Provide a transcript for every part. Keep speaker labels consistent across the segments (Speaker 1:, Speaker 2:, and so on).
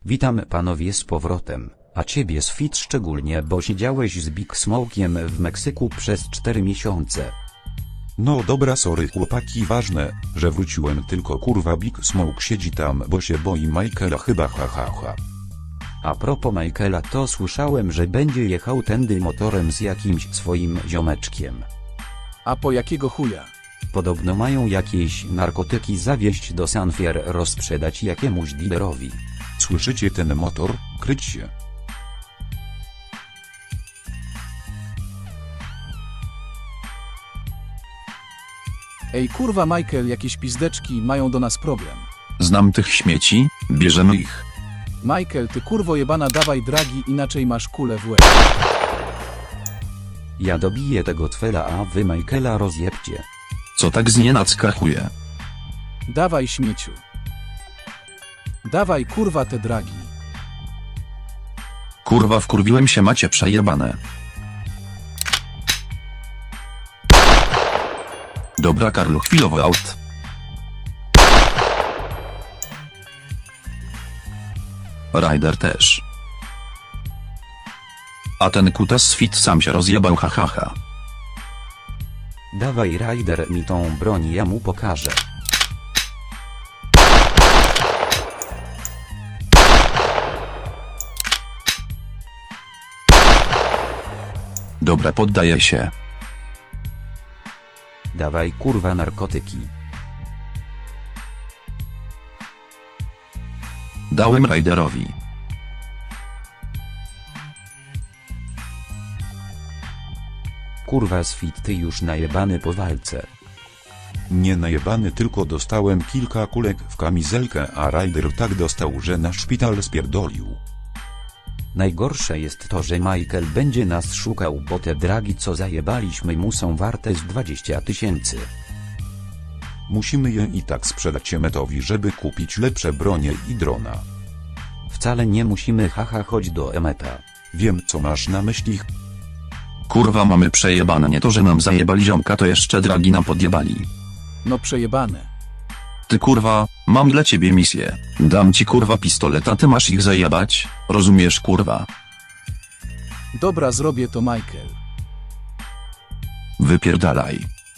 Speaker 1: Witam panowie z powrotem, a ciebie Sfit szczególnie, bo siedziałeś z Big Smokiem w Meksyku przez 4 miesiące.
Speaker 2: No dobra, sorry chłopaki, ważne, że wróciłem, tylko kurwa Big Smoke siedzi tam, bo się boi Michaela chyba, ha.
Speaker 1: A propos Michaela, to słyszałem, że będzie jechał tędy motorem z jakimś swoim ziomeczkiem.
Speaker 3: A po jakiego chuja?
Speaker 1: Podobno mają jakieś narkotyki zawieźć do Sanfier, rozprzedać jakiemuś dealerowi.
Speaker 2: Słyszycie ten motor? Kryć się.
Speaker 3: Ej kurwa Michael, jakieś pizdeczki mają do nas problem.
Speaker 4: Znam tych śmieci, bierzemy ich.
Speaker 3: Michael, ty kurwo jebana, dawaj dragi, inaczej masz kulę w łeb.
Speaker 1: Ja dobiję tego twela, a wy Michaela rozjebcie.
Speaker 4: Co tak znienacka chuje?
Speaker 3: Dawaj śmieciu. Dawaj kurwa te dragi.
Speaker 4: Kurwa, wkurwiłem się, macie przejebane. Dobra Karlu, chwilowo out. Ryder też. A ten kutas fit sam się rozjebał, hahaha.
Speaker 1: Dawaj Ryder mi tą broń, ja mu pokażę.
Speaker 4: Dobra, poddaję się.
Speaker 1: Dawaj kurwa narkotyki.
Speaker 4: Dałem Ryderowi.
Speaker 1: Kurwa Sfit, ty już najebany po walce.
Speaker 2: Nie najebany, tylko dostałem kilka kulek w kamizelkę, a Ryder tak dostał, że na szpital spierdolił.
Speaker 1: Najgorsze jest to, że Michael będzie nas szukał, bo te dragi co zajebaliśmy mu są warte z 20 000.
Speaker 2: Musimy je i tak sprzedać Emmetowi, żeby kupić lepsze bronie i drona.
Speaker 1: Wcale nie musimy, haha, chodź do Emmeta.
Speaker 2: Wiem, co masz na myśli.
Speaker 4: Kurwa, mamy przejebane, nie to że nam zajebali ziomka, to jeszcze dragi nam podjebali.
Speaker 3: No przejebane.
Speaker 4: Ty kurwa, mam dla ciebie misję. Dam ci kurwa pistolet, a ty masz ich zajebać, rozumiesz kurwa?
Speaker 3: Dobra, zrobię to Michael.
Speaker 4: Wypierdalaj.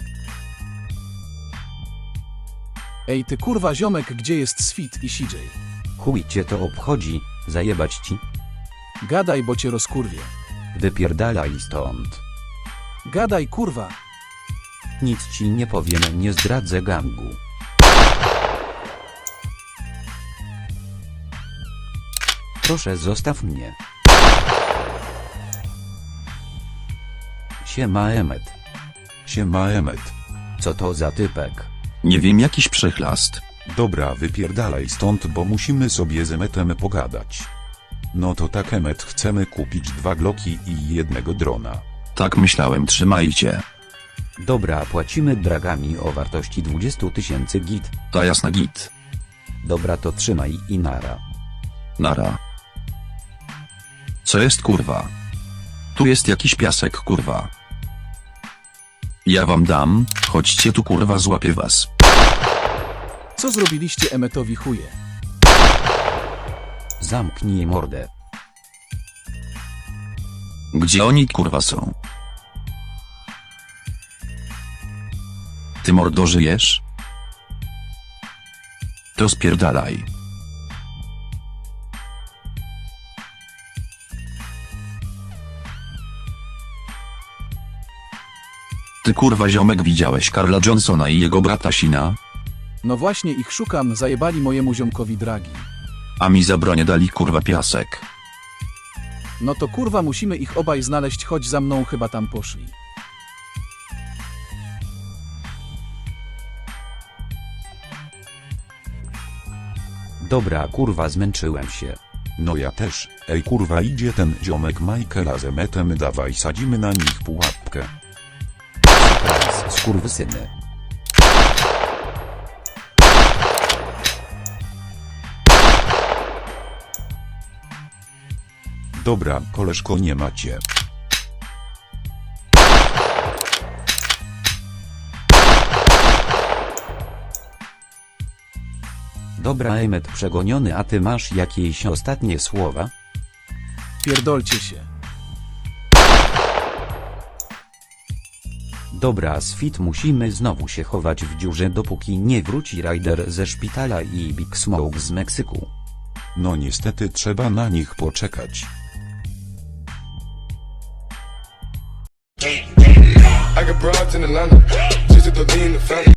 Speaker 3: Ej ty kurwa ziomek, gdzie jest Sfit i CJ?
Speaker 1: Chuj cię to obchodzi, zajebać ci?
Speaker 3: Gadaj, bo cię rozkurwię.
Speaker 1: Wypierdalaj stąd.
Speaker 3: Gadaj kurwa.
Speaker 1: Nic ci nie powiem, nie zdradzę gangu. Proszę, zostaw mnie. Siema Emmet.
Speaker 2: Siema Emmet.
Speaker 1: Co to za typek?
Speaker 4: Nie wiem, jakiś przechlast.
Speaker 2: Dobra, wypierdalaj stąd, bo musimy sobie z Emmetem pogadać. No to tak Emmet, chcemy kupić 2 Glocki i 1 drona.
Speaker 4: Tak myślałem, trzymajcie.
Speaker 1: Dobra, płacimy dragami o wartości 20 000 git.
Speaker 4: Ta jasna git.
Speaker 1: Dobra, to trzymaj i nara.
Speaker 4: Nara. Co jest kurwa? Tu jest jakiś piasek kurwa. Ja wam dam, chodźcie tu kurwa, złapię was.
Speaker 3: Co zrobiliście Emmetowi chuje?
Speaker 1: Zamknij mordę.
Speaker 4: Gdzie oni kurwa są? Ty mordo, żyjesz? To spierdalaj. Ty kurwa ziomek, widziałeś Karla Johnsona i jego brata Sina?
Speaker 3: No właśnie ich szukam, zajebali mojemu ziomkowi dragi.
Speaker 4: A mi za bronię dali kurwa piasek.
Speaker 3: No to kurwa musimy ich obaj znaleźć, chodź za mną, chyba tam poszli.
Speaker 1: Dobra kurwa, zmęczyłem się.
Speaker 2: No ja też. Ej kurwa, idzie ten ziomek Michaela z Emmetem, dawaj sadzimy na nich pułapkę.
Speaker 1: Surprise, skurwysyny.
Speaker 2: Dobra, koleżko, nie macie.
Speaker 1: Dobra Emmet przegoniony, a ty masz jakieś ostatnie słowa?
Speaker 3: Pierdolcie się.
Speaker 1: Dobra Sfit, musimy znowu się chować w dziurze, dopóki nie wróci Ryder ze szpitala i Big Smoke z Meksyku.
Speaker 2: No niestety trzeba na nich poczekać.
Speaker 5: I got broads in Atlanta, just to lean the family.